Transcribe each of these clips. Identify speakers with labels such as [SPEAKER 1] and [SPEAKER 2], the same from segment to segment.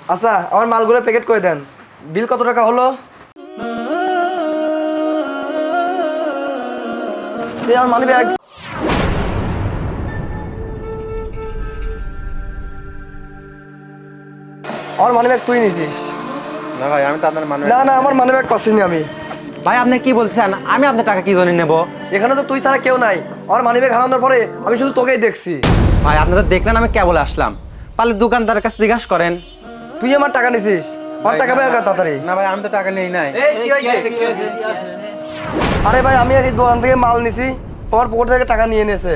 [SPEAKER 1] আচ্ছা আমার মালগুলো প্যাকেট করে দেন। বিল কত টাকা হলো? এই আমার মানি ব্যাগ। আমার মানি ব্যাগ তুই নিছিস?
[SPEAKER 2] না ভাই, আমি তো আপনার
[SPEAKER 1] না না, আমার মানি ব্যাগ পাচ্ছিনি আমি।
[SPEAKER 3] ভাই আপনি কি বলছেন? আমি আপনার টাকা কি জন্য নেব?
[SPEAKER 1] এখানে তো তুই ছাড়া কেউ নাই। আমার মানি ব্যাগ হারানোর পরে আমি শুধু তোকেই দেখছি।
[SPEAKER 3] ভাই আপনি তো দেখলেন আমি কেবল আসলাম, পারলে দোকানদারের কাছে জিজ্ঞাসা করেন।
[SPEAKER 1] তুই আমার টাকা নিছিস? আমার টাকা বের কর তাড়াতাড়ি।
[SPEAKER 3] না ভাই, আমি তো টাকা নেই নাই।
[SPEAKER 1] আরে ভাই, আমি এই দোকান থেকে মাল নিছি, তোমার পকেট থেকে টাকা নিয়ে নিয়েছে।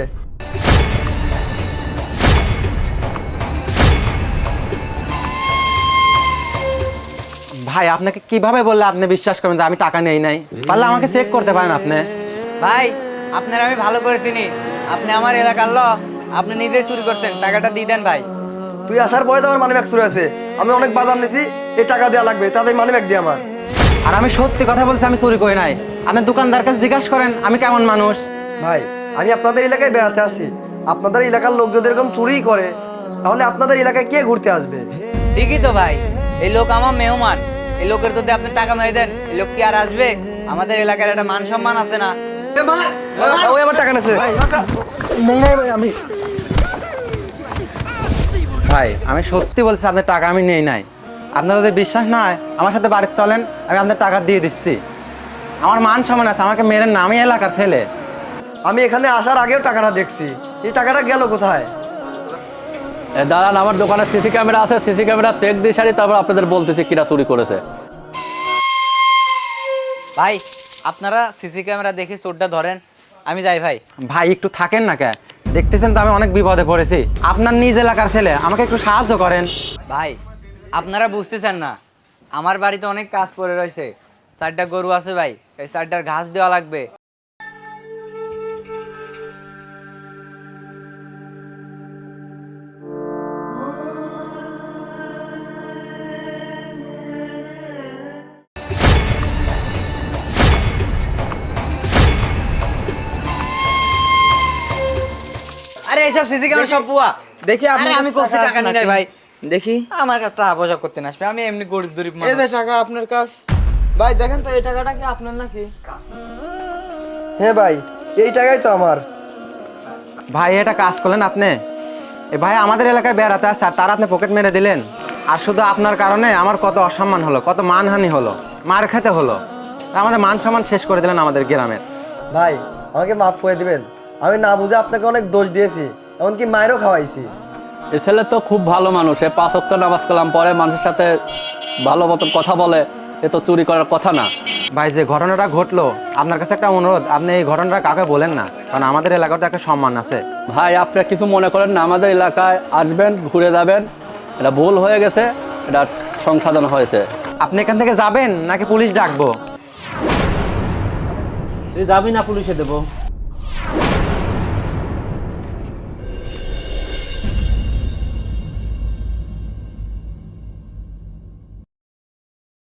[SPEAKER 3] ভাই আপনাকে কিভাবে বললে আপনি বিশ্বাস করবেন যে আমি টাকা নেই নাই? পারলে আমাকে চেক করতে পারেন আপনি।
[SPEAKER 4] ভাই আপনার আমি ভালো করে চিনি, আপনি আমার এলাকার লোক, আপনি নিজেই চুরি করছেন, টাকাটা দিয়ে দেন ভাই।
[SPEAKER 1] তুই আসার পরে তো আমার মানি ব্যাগ চুরি আছে। আমি অনেক বাজার নিছি, এই টাকা দেওয়া লাগবে, তাদের মানি ব্যাগ দিয়ে আমার।
[SPEAKER 3] আর আমি সত্যি কথা বলছি, আমি চুরি করি নাই। আপনি দোকানদার কাছে জিজ্ঞাসা করেন আমি কেমন মানুষ।
[SPEAKER 1] ভাই আমি আপনাদের এলাকায় বেড়াতে আসছি, আপনাদের এলাকার লোক যদি এরকম চুরি করে তাহলে আপনাদের এলাকায় কে ঘুরতে আসবে?
[SPEAKER 4] ঠিকই তো ভাই, এই লোক আমার মেহমান, এই লোকের যদি আপনি টাকা মেরে দেন এই লোক কি আর আসবে? আমাদের এলাকার একটা মান সম্মান আছে না?
[SPEAKER 1] ওই আমার টাকা নেছে।
[SPEAKER 3] ভাই আমি সত্যি বলছি আপনার টাকা আমি নেই নাই। আপনার যদি বিশ্বাস না হয় আমার সাথে বাড়িতে চলেন, আমি আপনার টাকা দিয়ে দিচ্ছি। আমার মান সম্মান আছে, আমাকে মেরেন না, আমি এলাকার ছেলে।
[SPEAKER 1] আমি এখানে আসার আগেও টাকাটা দেখছি, এই টাকাটা গেল কোথায়?
[SPEAKER 5] দাঁড়ান, আমার দোকানে সিসি ক্যামেরা আছে, সিসি ক্যামেরা চেক দিয়ে সারি, তারপর আপনাদের বলতেছি কিরা চুরি করেছে।
[SPEAKER 4] ভাই আপনারা সিসি ক্যামেরা দেখে চোরটা ধরেন, আমি যাই ভাই।
[SPEAKER 3] ভাই একটু থাকেন না কে? দেখতেছেন তো আমি অনেক বিপদে পড়েছি। আপনার নিজ এলাকার ছেলে, আমাকে একটু সাহায্য করেন।
[SPEAKER 4] ভাই আপনারা বুঝতেছেন না, আমার বাড়িতে অনেক কাজ পড়ে রয়েছে, 4টা গরু আছে ভাই, এই 4টার ঘাস দেওয়া লাগবে। আরে এইসব সিসি ক্যামেরা সব পুয়া
[SPEAKER 1] দেখি
[SPEAKER 4] আরে আমি কোথাও টাকা নিই নাই ভাই।
[SPEAKER 1] দেখি
[SPEAKER 4] আমার কাছে টাকা পয়সা করতে না আসবে, আমি এমনি গরিব গরিব
[SPEAKER 1] এই
[SPEAKER 4] মানুষ।
[SPEAKER 1] যে টাকা আপনার কাছ। ভাই দেখেন তো এই টাকাটা কি আপনার নাকি? হ্যাঁ ভাই, এই টাকাই তো আমার।
[SPEAKER 3] ভাই এটা কাজ করলেন আপনি? এ ভাই আমাদের এলাকায় বেড়াতে আসছে আর তার আপনি পকেট মেরে দিলেন। আর শুধু আপনার কারণে আমার কত অসম্মান হলো, কত মানহানি হলো, মার খেতে হলো। আমাদের মান সম্মান শেষ করে দিলেন আমাদের গ্রামের।
[SPEAKER 1] ভাই আমাকে মাফ করে দিবেন, আমি না বুঝে আপনাকে অনেক দোষ দিয়েছি, এমনকি মায়েরও খাওয়াইছি।
[SPEAKER 5] এ ছেলে তো খুব ভালো মানুষ, এ 5 ওয়াক্ত নামাজ কালাম পরে, মানুষের সাথে ভালো মতন কথা বলে, এ তো চুরি করার কথা না।
[SPEAKER 3] ভাই যে ঘটনাটা ঘটলো, আপনার কাছে একটা অনুরোধ, আপনি এই ঘটনাটা কাউকে বলেন না, কারণ আমাদের এলাকার তো একটা সম্মান আছে।
[SPEAKER 5] ভাই আপনি কিছু মনে করেন না, আমাদের এলাকায় আসবেন, ঘুরে যাবেন, এটা ভুল হয়ে গেছে, এটা সংশোধন হয়েছে।
[SPEAKER 3] আপনি এখান থেকে যাবেন নাকি পুলিশ ডাকবো?
[SPEAKER 6] যাবি না, পুলিশে দেবো।